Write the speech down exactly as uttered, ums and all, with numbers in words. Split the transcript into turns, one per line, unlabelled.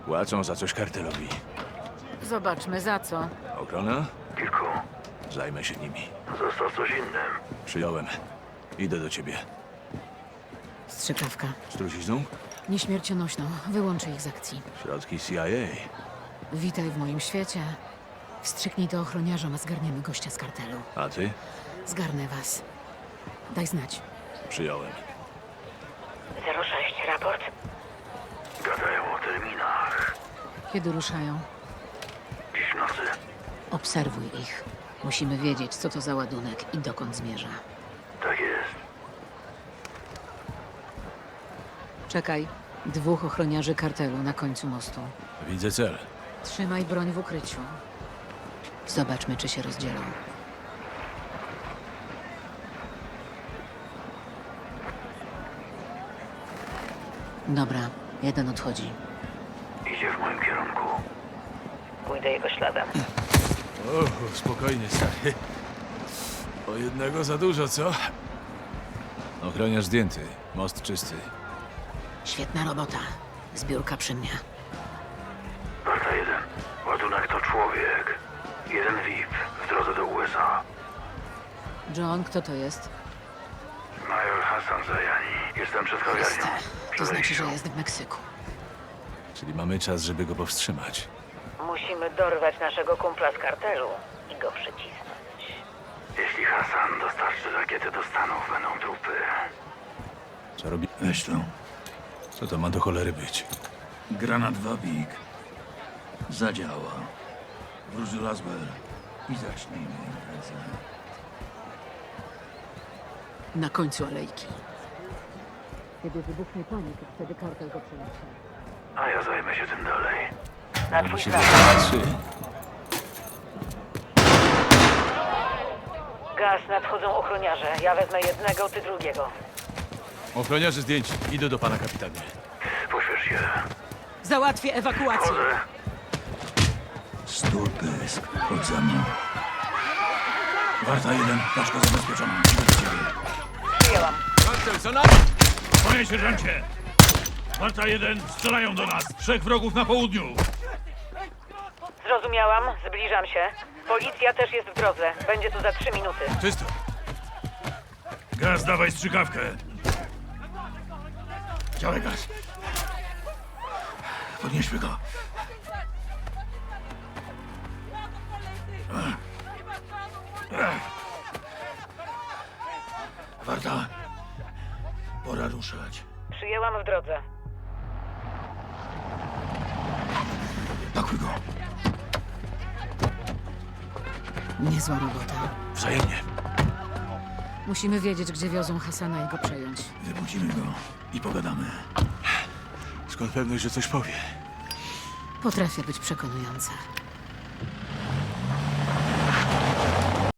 Płacą za coś kartelowi.
Zobaczmy za co.
Ochrona?
Kilku.
Zajmę się nimi.
Został coś innym.
Przyjąłem. Idę do ciebie.
Strzykawka.
Z trucizną?
Nieśmiercionośną. Wyłączę ich z akcji.
Środki C I A.
Witaj w moim świecie. Wstrzyknij to ochroniarzom, a zgarniemy gościa z kartelu.
A ty?
Zgarnę was. Daj znać.
Przyjąłem.
zero sześć, raport.
Gadają o terminach.
Kiedy ruszają?
Dziś w nocy.
Obserwuj ich. Musimy wiedzieć, co to za ładunek i dokąd zmierza.
Tak jest.
Czekaj. Dwóch ochroniarzy kartelu na końcu mostu.
Widzę cel.
Trzymaj broń w ukryciu. Zobaczmy, czy się rozdzielą. Dobra, jeden odchodzi.
Idzie w moim kierunku.
Pójdę jego śladem.
O, spokojnie, stary. O jednego za dużo, co? Ochroniarz zdjęty. Most czysty.
Świetna robota. Zbiórka przy mnie.
Warta jeden. Ładunek to człowiek. Jeden V I P w drodze do U S A.
John, kto to jest?
Major Hassan Zajani. Jestem przed kawiarnią.
Jest.
Przy
To znaczy,
wejściu.
że jest w Meksyku.
Czyli mamy czas, żeby go powstrzymać.
Musimy dorwać naszego kumpla z kartelu i go przycisnąć.
Jeśli Hassan dostarczy rakiety do Stanów, będą trupy.
Co robi?
Weź to.
Co to ma do cholery być?
Granat Wabik. Zadziała. Wróć do Laswell i zacznijmy imprezę.
Na końcu alejki. Kiedy wybuchnie panika, wtedy kartel go przeniesie.
A ja zajmę się tym dalej.
Na
Musimy
twój
się
plan.
trzy.
Gaz, nadchodzą ochroniarze. Ja wezmę jednego, ty drugiego.
Ochroniarze zdjęci. Idę do pana kapitanie.
Pośpiesz się.
Załatwię ewakuację.
Chodzę.
Sturpysk. Chodź za mną. Warta jeden. Paczka zabezpieczona. Idę do ciebie.
Przyjęłam.
Kartel, co na...
Panie sierżancie! Warta jeden, strzelają do nas! Trzech wrogów na południu!
Zrozumiałam, zbliżam się. Policja też jest w drodze. Będzie tu za trzy minuty.
Czysto.
Gaz, dawaj strzykawkę!
Działaj gaz. Podnieśmy go. Warta. Pora ruszać.
Przyjęłam w drodze.
Pakuj go.
Niezła robota.
Wzajemnie.
Musimy wiedzieć, gdzie wiozą Hasana i go przejąć.
Wybudzimy go i pogadamy.
Skąd pewność, że coś powie?
Potrafię być przekonująca.